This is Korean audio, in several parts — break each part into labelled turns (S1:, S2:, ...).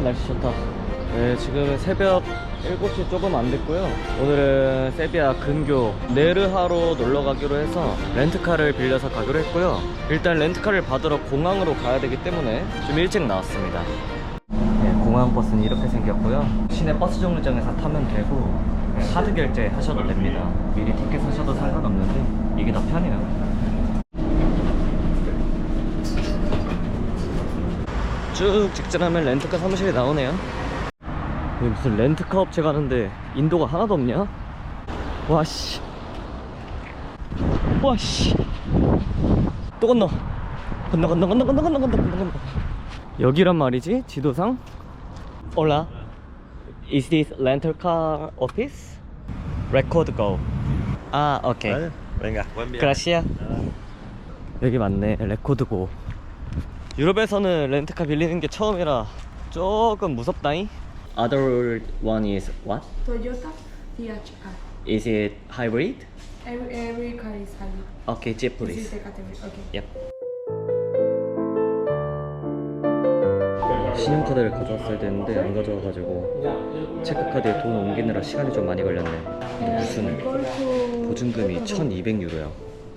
S1: 날씨 좋다. 네, 지금 새벽 7시 조금 안 됐고요. 오늘은 세비야 근교 네르하로 놀러 가기로 해서 렌트카를 빌려서 가기로 했고요. 일단 렌트카를 받으러 공항으로 가야 되기 때문에 좀 일찍 나왔습니다. 네, 공항 버스는 이렇게 생겼고요. 시내 버스 정류장에서 타면 되고 카드 결제 하셔도 됩니다. 미리 티켓 사셔도 상관없는데 이게 더 편해요. 쭉 직진하면 렌트카 사무실이 나오네요. 여기 무슨 렌트카 업체 가는데 인도가 하나도 없냐? 와씨, 와씨, 또 건너 여기란 말이지 지도상. Hola, is this rental car office? Record go. 아, 오케이.
S2: Venga.
S1: Gracias. 여기 맞네. 레코드 고. 유럽에서는 렌트카 빌리는 게 처음이라 조금 무섭다잉. Other one is what?
S3: Toyota CHR.
S1: Is it hybrid?
S3: Every car is hybrid.
S1: Okay, Jeep
S3: This is
S1: please.
S3: the category. Okay.
S1: Yep. 신용카드를 가져왔어야 되는데 안 가져와가지고 체크카드에 돈 옮기느라 시간이 좀 많이 걸렸네. 근데 무슨 보증금이 1200유로야.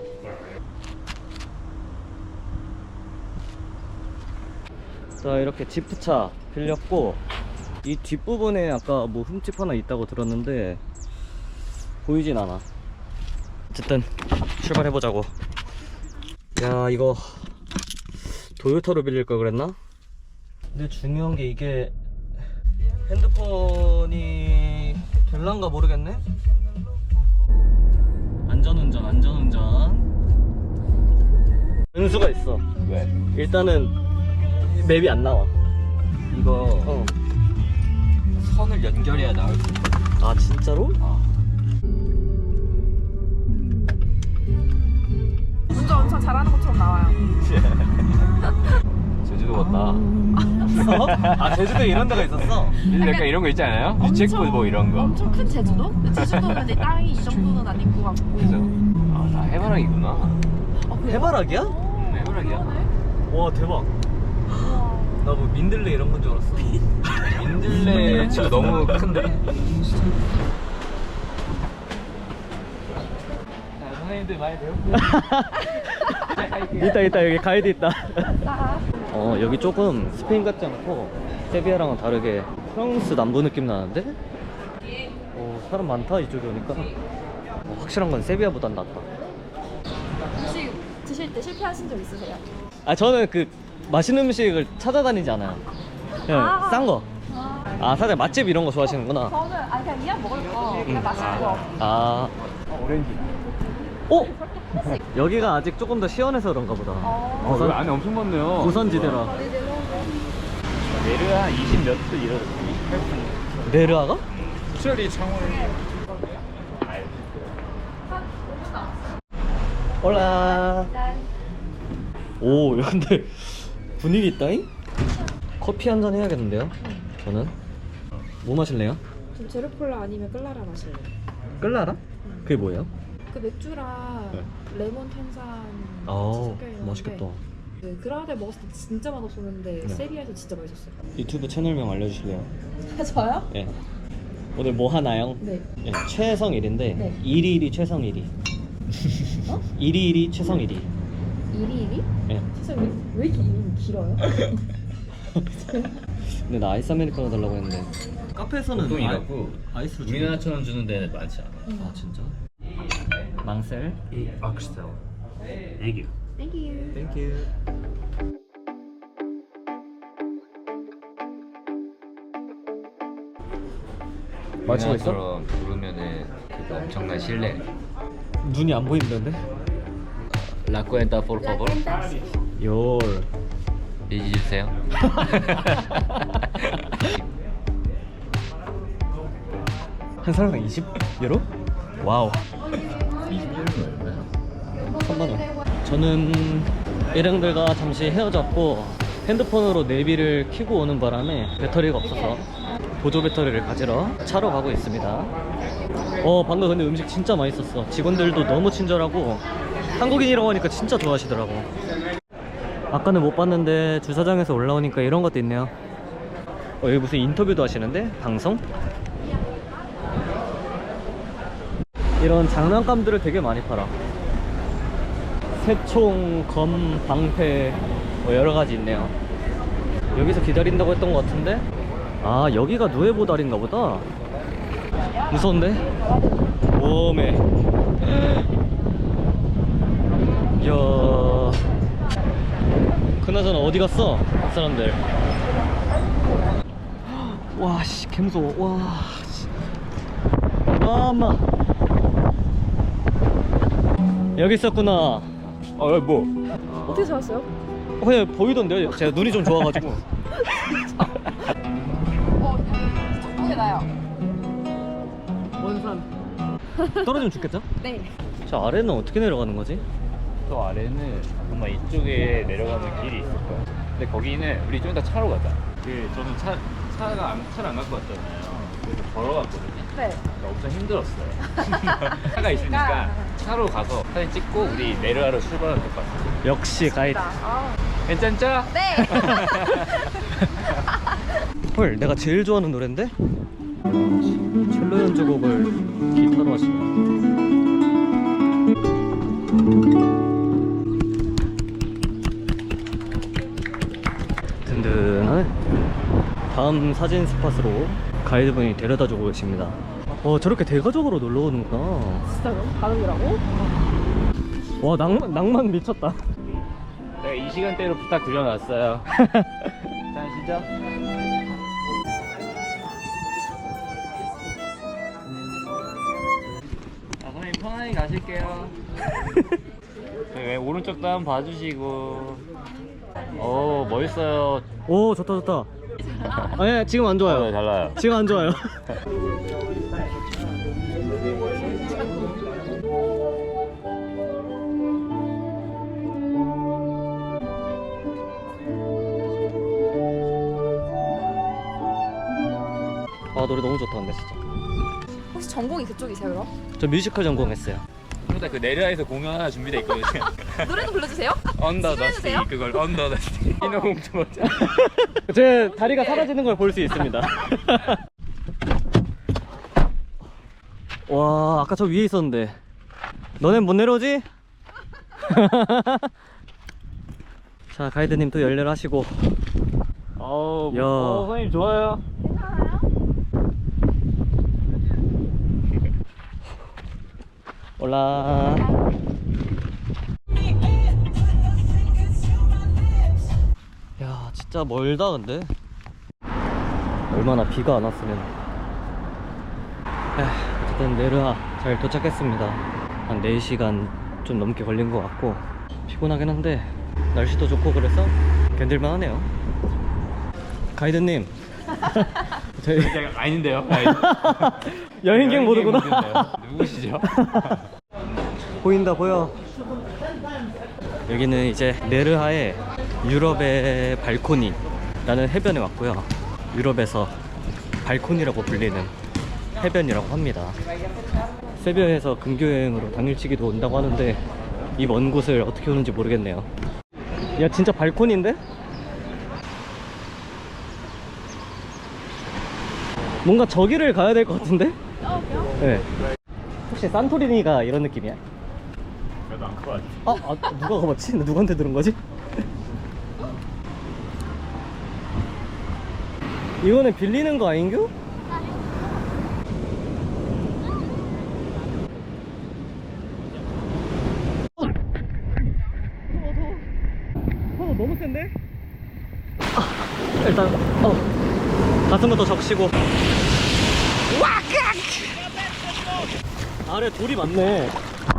S1: 자, 이렇게 지프차 빌렸고 이 뒷부분에 아까 뭐 흠집 하나 있다고 들었는데 보이진 않아. 어쨌든 출발해보자고. 야, 이거 도요타로 빌릴 걸 그랬나? 근데 중요한 게 이게 핸드폰이 될란가 모르겠네? 안전운전 변수가 있어.
S2: 왜?
S1: 일단은 맵이 안 나와.
S2: 이거 선을 연결해야 나올 수 있어.
S1: 아, 진짜로?
S3: 운전 엄청 잘하는 것처럼 나와요.
S2: 제주도 같다.
S1: 아, 제주도에 이런 데가 있었어?
S2: 약간 이런 거 있지 않아요? 유채꽃 뭐 이런 거.
S3: 엄청 큰 제주도? 제주도는 내 땅이 이 정도는 아닌 것 같고.
S2: 그죠? 아, 다 해바라기구나.
S1: 해바라기야?
S2: 해바라기야?
S1: 와, 대박. 나 뭐 민들레 이런 건 줄 알았어.
S2: 민들레 진짜 너무 큰데? 선생님들 많이 배웠고.
S1: 있다 여기 가이드 있다. 여기 조금 스페인 같지 않고 세비야랑은 다르게 프랑스 남부 느낌 나는데? 사람 많다 이쪽에 오니까. 확실한 건 세비야보단 낫다.
S3: 혹시 드실 때 실패하신 적 있으세요?
S1: 아, 저는 그 맛있는 음식을 찾아다니지 않아요. 그냥 싼 거. 아, 사실 맛집 이런 거 좋아하시는구나.
S3: 저는 그냥 이왕 먹을 거 그냥 맛있는 거.
S1: 아,
S2: 오렌지.
S1: 여기가 아직 조금 더 시원해서 그런가 보다.
S2: 여기 안에 엄청 많네요.
S1: 고선지대라.
S2: 내르하 20몇 도 이런.
S1: 네르아가?
S2: 수철이 창원을.
S1: 올라. 오, 근데 분위기 있다잉? 커피 한잔 해야겠는데요? 저는 뭐 마실래요?
S3: 좀 제로콜라 아니면 클라라 마실래요?
S1: 끌라라? 그게 뭐예요?
S3: 그 맥주랑 레몬 탄산
S1: 아,
S3: 섞여 있는데
S1: 맛있겠다.
S3: 네, 그라데 먹었을 때 진짜 맛없었는데
S1: 네.
S3: 세비야에서 진짜 맛있었어요.
S1: 유튜브 채널명 알려주실래요?
S3: 저요?
S1: 네. 오늘 뭐 하나요?
S3: 네.
S1: 네, 최성일인데
S3: 네.
S1: 121이 최성일이.
S3: 어?
S1: 121이 최성일이.
S3: 1위?
S1: 네.
S3: 세상에 왜 이렇게 이름이 길어요?
S1: 근데 나 아이스 아메리카노 달라고 했는데 카페에서는
S2: 보통이라고
S1: 아이스로 주는
S2: 우리나라처럼 주는 데는 많지 않아.
S1: 아, 진짜? 망셀?
S2: 악스텔. Thank you.
S3: Thank you.
S1: 땡큐. 마치고 있어?
S2: 우리나라처럼 부르면은 그 엄청난 신뢰.
S1: 눈이 안 보이는데?
S2: La cuenta por favor.
S1: 열.
S2: 얘기 주세요.
S1: 한 사람당 20유로? 와우.
S2: 20유로는 얼마야?
S1: 3만원. 저는 일행들과 잠시 헤어졌고 핸드폰으로 내비를 켜고 오는 바람에 배터리가 없어서 보조 배터리를 가지러 차로 가고 있습니다. 방금 근데 음식 진짜 맛있었어. 직원들도 너무 친절하고 한국인이라고 하니까 진짜 좋아하시더라고. 아까는 못 봤는데 주차장에서 올라오니까 이런 것도 있네요. 여기 무슨 인터뷰도 하시는데? 방송? 이런 장난감들을 되게 많이 팔아. 새총, 검, 방패 뭐 여러가지 있네요. 여기서 기다린다고 했던 것 같은데? 아, 여기가 누에보달인가 보다. 무서운데? 오메. 이야. 그나저나 어디 갔어? 사람들. 와, 씨, 개무서워. 와, 씨. 와, 엄마. 여기 있었구나. 뭐?
S3: 어떻게 찾았어요?
S1: 그냥 보이던데요? 제가 눈이 좀 좋아가지고.
S3: 저쪽에 나요.
S1: 원산. 떨어지면 죽겠죠?
S3: 네.
S1: 저 아래는 어떻게 내려가는 거지?
S2: 또 아래는 아마 이쪽에 내려가는 길이 있을 거야. 근데 거기는 우리 좀 이따 차로 가자. 저는 차를 안 갖고 왔잖아요. 그래서 걸어갔거든요.
S3: 네.
S2: 그러니까 엄청 힘들었어요. 차가 있으니까 차로 가서 사진 찍고 우리 내려하러 출발하면 될 것 같아요.
S1: 역시 가이드.
S2: 괜찮죠?
S3: 네.
S1: 헐, 내가 제일 좋아하는 노래인데? 첼로 연주곡을 기타로 하시네. 든든하네. 다음 사진 스팟으로 가이드분이 데려다주고 계십니다. 저렇게 대가족으로 놀러 오는구나.
S3: 진짜요? 가족이라고?
S1: 와, 낭만 미쳤다.
S2: 내가 이 시간대로 부탁드려놨어요. 자, 시죠. 선생님 편안히 가실게요. 네, 오른쪽도 한번 봐주시고. 멋있어요.
S1: 오, 좋다 좋다. 아니, 지금 안 좋아요.
S2: 달라요.
S1: 지금 안 좋아요. 아, 노래 너무 좋다 근데 진짜.
S3: 혹시 전공이 그쪽이세요, 그럼?
S1: 저 뮤지컬 전공했어요.
S2: 일단 그 내려에서 공연 하나 준비돼 있거든요.
S3: 노래도 불러주세요?
S2: 언더 더
S3: 해주세요?
S2: 스틱 그걸 언더 더 스틱. 인어공주 모자.
S1: 제 다리가 사라지는 걸 볼 수 있습니다. 와, 아까 저 위에 있었는데 너넨 못 내려오지? 자, 가이드님 또 열렬하시고. 야.
S2: 선생님 좋아요.
S1: 올라. 야, 진짜 멀다 근데. 얼마나 비가 안 왔으면. 어쨌든 네르하 잘 도착했습니다. 한 4시간 좀 넘게 걸린 것 같고 피곤하긴 한데 날씨도 좋고 그래서 견딜만 하네요. 가이드님. 저희
S2: 아닌데요.
S1: 여행객 모드구나.
S2: 누구시죠?
S1: 보인다 보여. 여기는 이제 네르하의 유럽의 발코니라는 해변에 왔고요. 유럽에서 발코니라고 불리는 해변이라고 합니다. 세비야에서 근교 여행으로 당일치기도 온다고 하는데 이 먼 곳을 어떻게 오는지 모르겠네요. 야, 진짜 발코니인데? 뭔가 저기를 가야 될 것 같은데? 네. 혹시 산토리니가 이런 느낌이야?
S2: 나도 안 커.
S1: 누가 가봤지? 나 누구한테 들은 거지? 이거는 빌리는 거 아닌겨? 너무 센데? 일단 가슴부터 적시고. 아래 돌이 많네.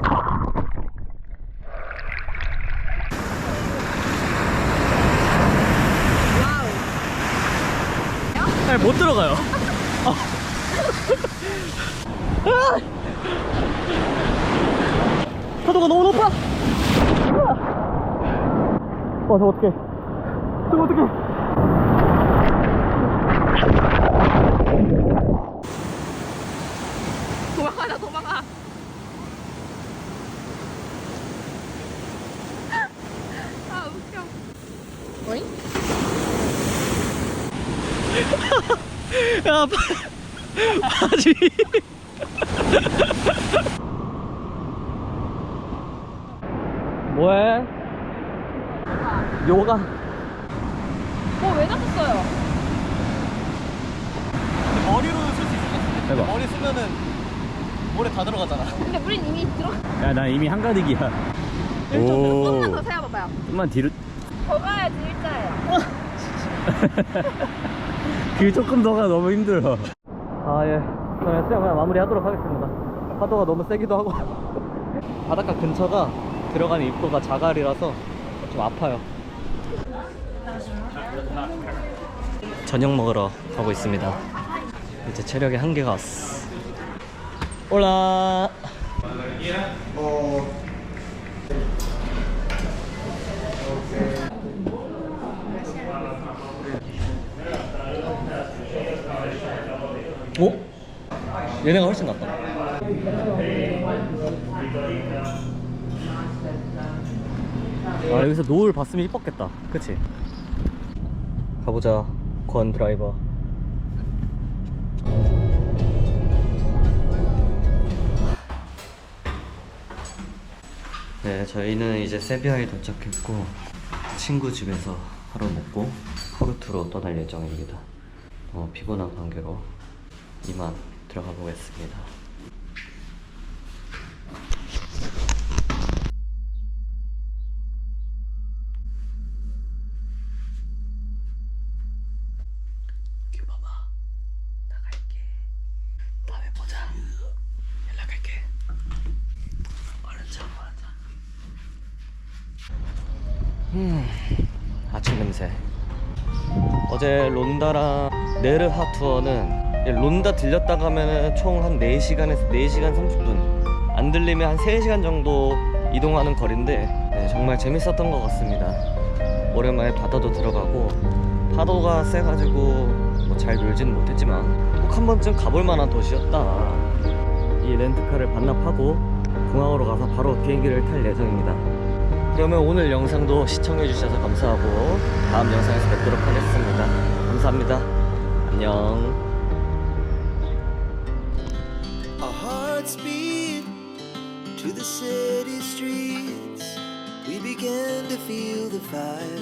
S1: 잘 못 들어가요. 파도가 너무 높아. 저거 어떡해. 저거 어떡해.
S3: 도망가자, 도망가. 아, 웃겨. 어잉?
S1: 야, 바지. 뭐해? 요가.
S3: 왜 잡았어요?
S1: 머리로 쓸 수 있을 것 같은데.
S2: 해봐.
S1: 머리 쓰면은 물에 다 들어가잖아.
S3: 근데 우린 이미 들어.
S2: 야, 나 이미 한가득이야.
S3: 조금만 더 세워봐봐요.
S2: 좀만 뒤로.
S3: 더 가야지 일자예요.
S2: 그 조금 더가 너무 힘들어.
S1: 아, 예. 저는 수영 그냥 마무리하도록 하겠습니다. 파도가 너무 세기도 하고. 바닷가 근처가 들어가는 입구가 자갈이라서 좀 아파요. 저녁 먹으러 가고 있습니다. 이제 체력의 한계가 왔어. 올라. 오? 얘네가 훨씬 낫다. 아, 여기서 노을 봤으면 이뻤겠다. 그치? 가보자, 권 드라이버. 네, 저희는 이제 세비야에 도착했고 친구 집에서 하루 먹고 포르투로 떠날 예정입니다. 피곤한 관계로 이만 들어가 보겠습니다. 여기 봐봐. 나갈게. 다음에 보자. 연락할게. 얼른 자, 얼른 자. 아침 냄새. 어제 론다랑 네르하 투어는 론다 들렸다 가면은 총 한 4시간에서 4시간 30분, 안 들리면 한 3시간 정도 이동하는 거리인데, 네, 정말 재밌었던 것 같습니다. 오랜만에 바다도 들어가고 파도가 세가지고 뭐 잘 놀지는 못했지만 꼭 한 번쯤 가볼 만한 도시였다. 이 렌트카를 반납하고 공항으로 가서 바로 비행기를 탈 예정입니다. 그러면 오늘 영상도 시청해주셔서 감사하고 다음 영상에서 뵙도록 하겠습니다. 감사합니다. 안녕.
S4: Our hearts beat to the city streets. We began to feel the fire.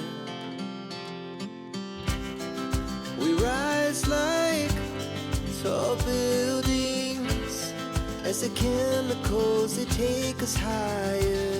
S4: We rise like tall buildings as the chemicals they take us higher.